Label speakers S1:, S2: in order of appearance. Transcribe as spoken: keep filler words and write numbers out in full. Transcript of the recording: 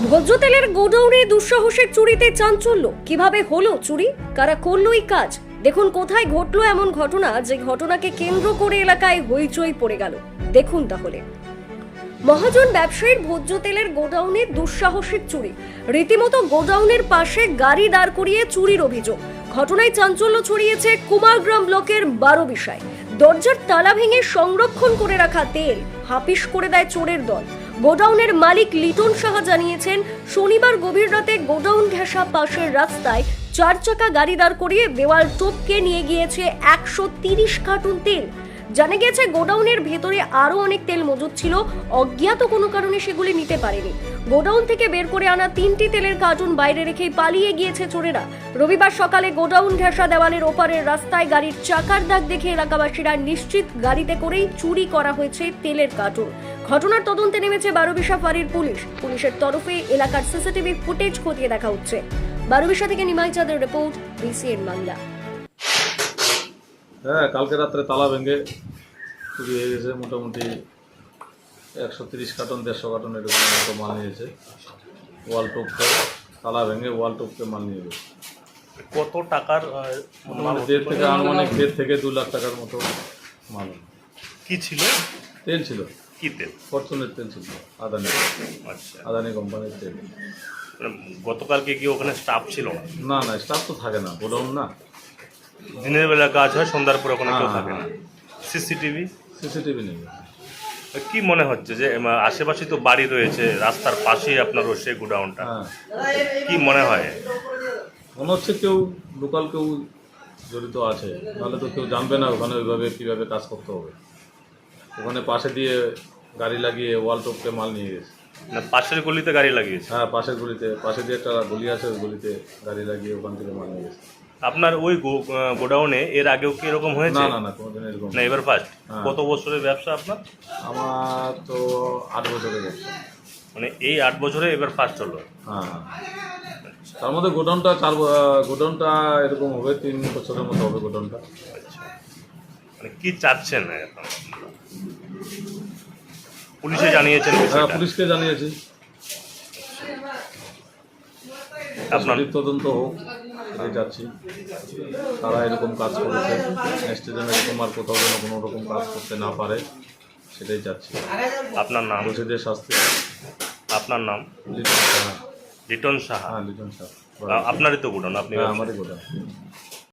S1: ভোজ্য তেলের গোডাউনে দুঃসাহসের চুরিতে চাঞ্চল্য। কিভাবে হলো চুরি, কারা করলো এই কাজ, দেখুন কোথায় ঘটলো এমন ঘটনা যে ঘটনাকে কেন্দ্র করে এলাকায় হইচই পড়ে গেল। দেখুন তাহলে, মহাজন ব্যবসায়ীর ভোজ্য তেলের গোডাউনে দুঃসাহসিক চুরি। রীতিমতো গোডাউনের পাশে গাড়ি দাঁড় করিয়ে চুরির অভিযোগ। ঘটনায় চাঞ্চল্য ছড়িয়েছে কুমারগ্রাম ব্লকের বারোবিশায়। দরজার তালা ভেঙে সংরক্ষণ করে রাখা তেল হাপিস করে দেয় চোরের দল। গোডাউনের মালিক লিটন সাহা জানিয়েছেন, শনিবার গভীর রাতে গোডাউন ঘেঁষা পাশের রাস্তায় চার চাকা গাড়ি দাঁড় করিয়ে দেওয়াল টপকে নিয়ে গিয়েছে একশো তিরিশ কার্টুন তেল। জানা গেছে গোডাউনের ভেতরে আরো অনেক তেল মজুদ ছিল, অজ্ঞাত কোনো কারণে সেগুলি নিতে পারেনি। গোডাউন থেকে বের করে আনা তিনটি তেলের কার্টুন বাইরে রেখেই পালিয়ে গিয়েছে চোরেরা। রবিবার সকালে গোডাউন ঘেঁষা দেওয়ালের ওপারের রাস্তায় গাড়ির চাকার দাগ দেখে এলাকাবাসীরা নিশ্চিত গাড়িতে করেই চুরি করা হয়েছে তেলের কার্টুন। ঘটনার তদন্তে নেমেছে বারোবিশা ফাঁড়ির পুলিশ। পুলিশের তরফে এলাকার সিসিটিভি ফুটেজ খতিয়ে দেখা হচ্ছে। বারোবিশা থেকে নিমাই চাঁদের রিপোর্ট, বিসিএন বাংলা।
S2: হ্যাঁ, কালকে রাত্রে তালা ভেঙে চুরি হয়ে গেছে। মোটামুটি একশো তিরিশ কার্টন দেড়শো কার্টন এরকম মতো মাল নিয়েছে। ওয়াল টপকে তালা ভেঙে ওয়াল টপকে মাল নিয়ে গেছে।
S3: কত টাকার
S2: মানে দেড় থেকে আনুমানিক দেড় থেকে দু লাখ টাকার মতো মাল।
S3: কি ছিল?
S2: তেল ছিল,
S3: কি তেল?
S2: ফরচুনের তেল ছিল, আদানি।
S3: আচ্ছা,
S2: আদানি কোম্পানির তেল।
S3: মানে গতকালকে কি ওখানে স্টাফ ছিল না?
S2: না না, স্টাফ তো থাকে না, গোডাউন না।
S3: দিনের বেলা কাজ হয়, সন্ধ্যার পরে ওখানে কেউ
S2: হ্যাঁ,
S3: থাকে না।
S2: হ্যাঁ।
S3: সিসিটিভি
S2: সিসিটিভি নেই।
S3: কি মনে হচ্ছে যে আহ, আশেপাশে তো বাড়ি রয়েছে, রাস্তার পাশেই আপনার সেই গোডাউনটা,
S2: হ্যাঁ,
S3: কি মনে হয়?
S2: মনে হচ্ছে কেউ লোকাল কেউ জড়িত আছে, নাহলে তো কেউ জানবে না ওখানে ওইভাবে কীভাবে কাজ করতে হবে। ওখানে পাশে দিয়ে গাড়ি লাগিয়ে ওয়াল টপকে মাল নিয়ে গেছে।
S3: না, পাশের গলিতে গাড়ি লাগিয়েছে?
S2: হ্যাঁ, পাশের গলিতে, পাশে দিয়ে একটা গলি আছে, ওই গলিতে গাড়ি লাগিয়ে ওখান থেকে মাল নিয়ে গেছে।
S3: আপনার ওই গো- আহ, গোডাউনে এর আগেও কি এরকম হয়েছে?
S2: না না না, কোনোদিন এরকম
S3: না, এবার ফার্স্ট?
S2: হ্যাঁ।
S3: কত বছরের ব্যবসা আপনার?
S2: আমার তো আট বছরের ব্যবসা।
S3: মানে এই আট বছরে এবার ফার্স্ট হলো?
S2: হ্যাঁ হ্যাঁ, তার মধ্যে গোডাউনটা চার ব- গোডাউনটা এরকম হবে, তিন বছরের মতো হবে গোডাউনটা।
S3: আচ্ছা, মানে কি চাচ্ছেন এখন? পুলিশে জানিয়েছেন
S2: হ্যাঁ,
S3: বিষয়টা?
S2: পুলিশকে জানিয়েছি,
S3: আপনার
S2: সঠিক তদন্ত হোক, এটাই যাচ্ছি। তারা এরকম কাজ করেছে, নেক্সট যেন এরকম আর কোথাও যেন কোনো রকম কাজ করতে না পারে, সেটাই যাচ্ছি।
S3: আপনার নাম?
S2: দোষীদের শাস্তি।
S3: আপনার নাম?
S2: লিটন সাহা।
S3: লিটন সাহা?
S2: হ্যাঁ, লিটন সাহা।
S3: আ- আপনারই তো গোডাউন, আপনি
S2: হ্যাঁ, আমারই গোডাউন।